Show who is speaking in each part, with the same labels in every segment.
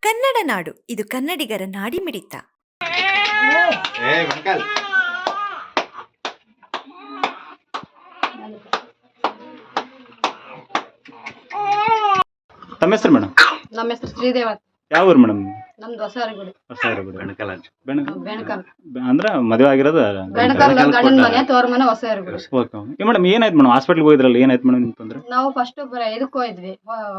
Speaker 1: ಕನ್ನಡ ನಾಡು, ಇದು ಕನ್ನಡಿಗರ ನಾಡಿಮಿಡಿತ.
Speaker 2: ತಮ್ಮ ಹೆಸರು ಮೇಡಮ್?
Speaker 3: ನಮ್ಮ ಹೆಸರು ಶ್ರೀದೇವ.
Speaker 2: ಯಾವ ಊರು ಮೇಡಮ್?
Speaker 3: ನಮ್ದು ಹೊಸವರಗುಡಿ.
Speaker 2: ಅಂದ್ರೆ ಮದುವೆ ಆಗಿರೋದು
Speaker 3: ಬೆಣಕಲ್ ಗಂಡನ ಮನೆ, ತೋರ್ ಮನೆ, ಹೊಸವರಗುಡಿ.
Speaker 2: ಓಕೆ ಮೇಡಮ್, ಏನಾಯ್ತು ಮೇಡಮ್? ಹಾಸ್ಪಿಟ್ಲ್ಗೆ ಹೋಗಿದ್ರಲ್ಲ, ಏನಾಯ್ತು ಮೇಡಮ್ ನಿಮ್ಗೆ ತೊಂದ್ರೆ?
Speaker 3: ನಾವು ಫಸ್ಟ್ ಇದಕ್ಕೆ ಹೋಗಿದ್ವಿ,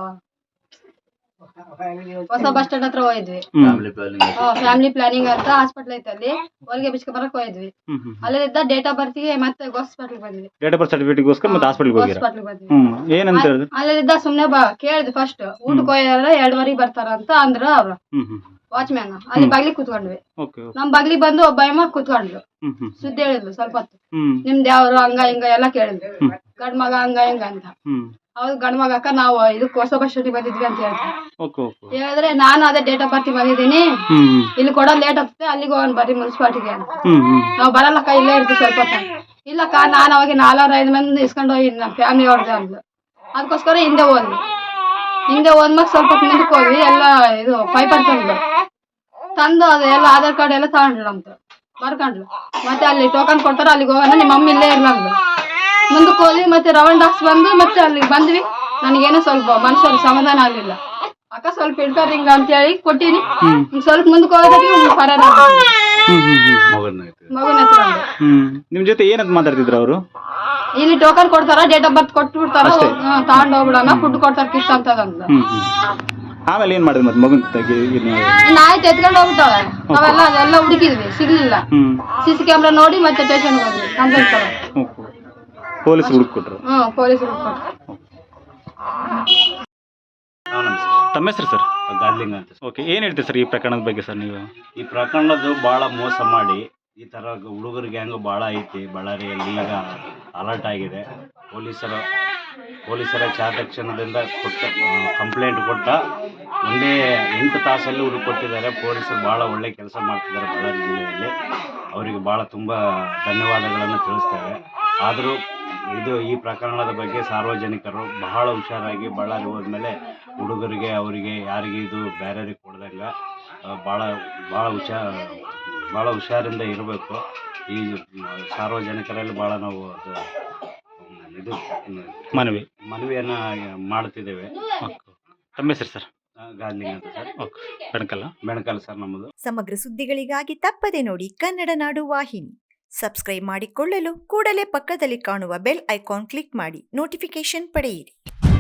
Speaker 3: ಹೊಸ ಬಸ್ ಸ್ಟ್ಯಾಂಡ್ ಹತ್ರ ಹೋಗಿದ್ವಿ. ಫ್ಯಾಮಿಲಿ ಪ್ಲಾನಿಂಗ್ ಅಂತ ಹಾಸ್ಪಿಟಲ್ ಐತೆ, ಅಲ್ಲಿ ಹೊಲಿಗೆ ಬಿಚ್ಕೊ ಬರಕ್ ಹೋಗಿದ್ವಿ. ಅಲ್ಲಿದ್ದ ಡೇಟ್ ಆಫ್ ಬರ್ತಿಗೆ ಮತ್ತೆ ಹಾಸ್ಪಿಟಲ್ ಬಂದ್ವಿ.
Speaker 2: ಡೇಟ್ ಆಫ್ ಬರ್ತ್ ಸರ್ಟಿಫಿಕೇಟ್ಗೋಸ್ಕರ ಮತ್ತೆ ಹಾಸ್ಪಿಟಲ್ಗೆ ಹೋಗಿರಾ? ಏನಂತ ಹೇಳಿದ್ರು?
Speaker 3: ಅಲ್ಲಿದ್ದ ಸುಮ್ನೆ ಕೇಳಿದ್ವಿ ಫಸ್ಟ್, ಊಟಕ್ಕೆ ಹೋಗ್ಯಾರ 2:15 ಬರ್ತಾರ ಅಂತ ಅಂದ್ರು ಅವ್ರು ವಾಚ್ಮ್ಯಾನ್. ಅಲ್ಲಿ ಬಾಗ್ಲಿ ಕೂತ್ಕೊಂಡ್ವಿ. ನಮ್ ಬಾಗ್ಲಿ ಬಂದು ಒಬ್ಬ ಅಮ್ಮ ಕೂತ್ಕೊಂಡ್ಲು, ಸುದ್ದಿ ಹೇಳಿದ್ಲು ಸ್ವಲ್ಪ ಹೊತ್ತು. ನಿಮ್ದು ಯಾವ್ರು ಹಂಗ ಹಿಂಗ ಎಲ್ಲಾ ಕೇಳಿದ್ವಿ. ಗಂಡ್ ಮಗ ಹಂಗ ಹಿಂಗ ಅಂತ. ಹೌದು ಗಂಡ್ ಮಗ ಅಕ್ಕ, ನಾವು ಇದಕ್ಕೆ ಹೊಸ ಬಸ್ ಸ್ಟ್ಯಾಂಡ್ ಬಂದಿದ್ವಿ ಅಂತ ಹೇಳ್ತೀವಿ. ಹೇಳಿದ್ರೆ ನಾನು ಅದೇ ಡೇಟ್ ಆಫ್ ಬರ್ತ್ ಬಂದಿದ್ದೀನಿ, ಇಲ್ಲಿ ಕೊಡೋದು ಲೇಟ್ ಆಗ್ತದೆ, ಅಲ್ಲಿಗೆ ಹೋಗೋಣ ಬರ್ರಿ ಮುನ್ಸಿಪಾಲಿಟಿಗೆ ಅಂತ. ನಾವು ಬರಲ್ಲಕ್ಕ, ಇಲ್ಲೇ ಇರ್ತೀವಿ ಸ್ವಲ್ಪ ಹೊತ್ತು. ಇಲ್ಲಕ್ಕ, ನಾನು ಅವಾಗ 4-5 ಮಂದಿ ಇಸ್ಕೊಂಡು ಹೋಗಿ ನಮ್ಮ ಫ್ಯಾಮಿಲಿ ಹೊಡೆದೆ ಅಂದ್ಲು. ಅದಕ್ಕೋಸ್ಕರ ಹಿಂದೆ ಹೋದ್ಮಾಗ ಸ್ವಲ್ಪ ಮುಂದಕ್ಕೆ ಹೋಗಿ ಎಲ್ಲ ಇದು ಪೈಪರ್ ತಂದು ಅದೆಲ್ಲ ಆಧಾರ್ ಕಾರ್ಡ್ ಎಲ್ಲ ತಗೊಂಡ್ರು ನಮ್ದು, ಬರ್ಕೊಂಡ್ಲು. ಮತ್ತೆ ಅಲ್ಲಿ ಟೋಕನ್ ಕೊಡ್ತಾರ, ಅಲ್ಲಿಗೆ ಹೋಗೋಣ, ನಿಮ್ಮ ಮಮ್ಮಿ ಇಲ್ಲೇ ಇರ್ಲಂದು. ಮುಂದಕ್ಕೆ ಹೋದ್ವಿ, ಮತ್ತೆ ರೌಂಡ್ ಹಾಕ್ಸ್ ಬಂದು ಮತ್ತೆ ಅಲ್ಲಿಗೆ ಬಂದ್ವಿ. ನನಗೇನೋ ಸ್ವಲ್ಪ ಮನುಷ್ಯರು ಸಮಾಧಾನ ಆಗ್ಲಿಲ್ಲ. ಅಕ್ಕ ಸ್ವಲ್ಪ ಇಡ್ತಾರ ಹಿಂಗ ಅಂತ ಹೇಳಿ ಕೊಟ್ಟಿನಿ. ಸ್ವಲ್ಪ ಮುಂದಕ್ಕೆ ಹೋಗೋದಕ್ಕೆ ಪರಾರ ಮಗನ ಎತ್ಕೊಂಡು.
Speaker 2: ನಿಮ್ ಜೊತೆ ಏನಂತ ಮಾತಾಡ್ತಿದ್ರು ಅವರು?
Speaker 3: ಇಲ್ಲಿ ಟೋಕನ್ ಕೊಡ್ತಾರ, ಡೇಟ್ ಆಫ್ ಬರ್ತ್ ಕೊಟ್ಟು ಬಿಡ್ತಾರ, ತಗೊಂಡ್ ಹೋಗ್ಬಿಡೋಣ, ಫುಡ್ ಕೊಡ್ತಾರ ಕಿಟ್ ಅಂತದಂತ.
Speaker 2: ಆಮೇಲೆ ಏನ್ ಮಾಡಿದ್ವಿ? ಮತ್ತೆ ಮಗನ್
Speaker 3: ಆಯ್ತು, ಎತ್ಕೊಂಡು ಹೋಗ್ಬಿಟ್ಟಾಳೆ. ನಾವೆಲ್ಲ ಅದೆಲ್ಲ ಹುಡುಕಿದ್ವಿ, ಸಿಗ್ಲಿಲ್ಲ. ಸಿಸಿ ಕ್ಯಾಮ್ರಾ ನೋಡಿ ಮತ್ತೆ ಸ್ಟೇಷನ್ ಹೋದ್ವಿ, ಕಂಪ್ಲೇಂಟ್ ಕೊಡೋದು.
Speaker 2: ಪೊಲೀಸ್ ಹುಡುಕೊಟ್ರು?
Speaker 3: ಪೊಲೀಸ್ ಹುಡುಕೊಟ್ರು.
Speaker 2: ತಮ್ಮ ಹೆಸರು ಸರ್?
Speaker 4: ಗಾರ್ಲಿಂಗ್ ಅಂತ.
Speaker 2: ಓಕೆ, ಏನ್ ಹೇಳ್ತೀರಿ ಸರ್ ಈ ಪ್ರಕರಣದ ಬಗ್ಗೆ ಸರ್ ನೀವು?
Speaker 4: ಈ ಪ್ರಕರಣದ್ದು ಭಾಳ ಮೋಸ ಮಾಡಿ ಈ ಥರ ಹುಡುಗರ ಗ್ಯಾಂಗು ಭಾಳ ಐತಿ ಬಳ್ಳಾರಿಯಲ್ಲಿ. ಈಗ ಅಲರ್ಟ್ ಆಗಿದೆ. ಪೊಲೀಸರ ಚಾತಕ್ಷಣದಿಂದ ಕಂಪ್ಲೇಂಟ್ ಕೊಟ್ಟ 8 ತಾಸಲ್ಲಿ ಹುಡುಕೊಟ್ಟಿದ್ದಾರೆ. ಪೊಲೀಸರು ಭಾಳ ಒಳ್ಳೆ ಕೆಲಸ ಮಾಡ್ತಿದ್ದಾರೆ ಬಳ್ಳಾರಿ ಜಿಲ್ಲೆಯಲ್ಲಿ. ಅವರಿಗೆ ಭಾಳ ತುಂಬ ಧನ್ಯವಾದಗಳನ್ನು ತಿಳಿಸ್ತೇವೆ. ಆದರೂ ಈ ಪ್ರಕರಣದ ಬಗ್ಗೆ ಸಾರ್ವಜನಿಕರು ಬಹಳ ಹುಷಾರಾಗಿ ಬಳ್ಳಾರಿ ಹೋದ್ಮೇಲೆ ಹುಡುಗರಿಗೆ ಅವರಿಗೆ ಯಾರಿಗೆ ಇದು ಬೇರೆಯವ್ರಿಗೆ ಕೊಡ್ದಂಗೆ ಭಾಳ ಹುಷಾರಿಂದ ಇರಬೇಕು. ಈ ಸಾರ್ವಜನಿಕರಲ್ಲಿ ಭಾಳ ನಾವು ಇದು ಮನವಿಯನ್ನು ಮಾಡ್ತಿದ್ದೇವೆ.
Speaker 2: ತಮ್ಮ ಹೆಸರು ಸರ್?
Speaker 4: ಗಾರ್ಲಿಂಗ್ ಅಂತ ಸರ್. ಬೆಣಕಲ್ ಸರ್ ನಮ್ಮದು.
Speaker 1: ಸಮಗ್ರ ಸುದ್ದಿಗಳಿಗಾಗಿ ತಪ್ಪದೆ ನೋಡಿ ಕನ್ನಡ ನಾಡು ವಾಹಿನಿ. ಸಬ್ಸ್ಕ್ರೈಬ್ ಮಾಡಿಕೊಳ್ಳಲು ಕೂಡಲೇ ಪಕ್ಕದಲ್ಲಿ ಕಾಣುವ ಬೆಲ್ ಐಕಾನ್ ಕ್ಲಿಕ್ ಮಾಡಿ ನೋಟಿಫಿಕೇಶನ್ ಪಡೆಯಿರಿ.